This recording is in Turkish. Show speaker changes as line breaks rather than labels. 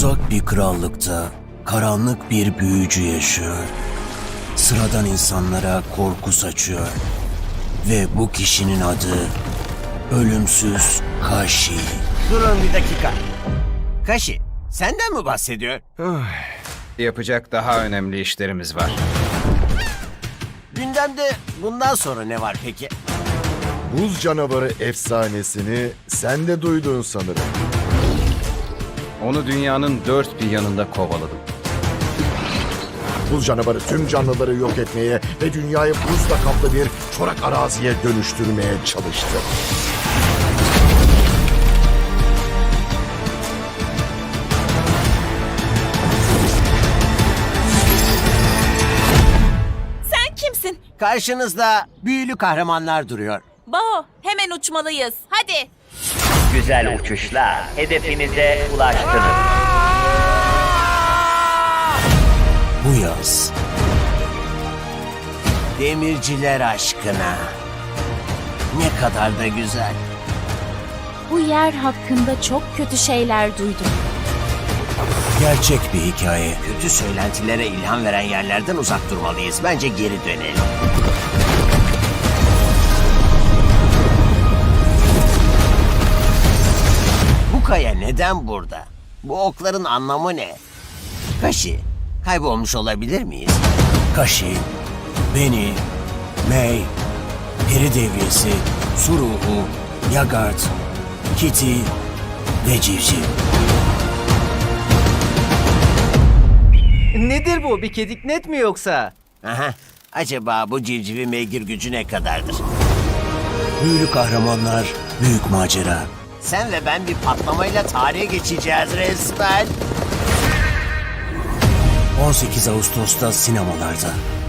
Uzak bir krallıkta karanlık bir büyücü yaşıyor. Sıradan insanlara korku saçıyor. Ve bu kişinin adı Ölümsüz Kashi.
Durun bir dakika. Kashi, senden mi bahsediyor?
Yapacak daha önemli işlerimiz var.
Gündemde bundan sonra ne var peki?
Buz canavarı efsanesini sen de duydun sanırım.
Onu dünyanın dört bir yanında kovaladım.
Buz canavarı tüm canlıları yok etmeye ve dünyayı buzla kaplı bir çorak araziye dönüştürmeye çalıştı.
Sen kimsin?
Karşınızda büyülü kahramanlar duruyor.
Bao, hemen uçmalıyız. Hadi.
Güzel uçuşla hedefinize ulaştınız.
Bu yaz
Demirciler aşkına. Ne kadar da güzel.
Bu yer hakkında çok kötü şeyler duydum.
gerçek bir hikaye.
Kötü söylentilere ilham veren yerlerden uzak durmalıyız. Bence geri dönelim. Bu kaya neden burada? Bu okların anlamı ne? Kashi, kaybolmuş olabilir miyiz?
Kashi, Beni, Mei, Peri Devriyesi, Su Ruhu, Yagart, Kitty ve Civciv.
Nedir bu? Bir kediknet mi yoksa?
Aha, acaba bu civcivin meygir gücü ne kadardır?
Büyülü kahramanlar, büyük macera.
Sen ve ben bir patlamayla tarihe geçeceğiz resmen.
18 Ağustos'ta sinemalarda.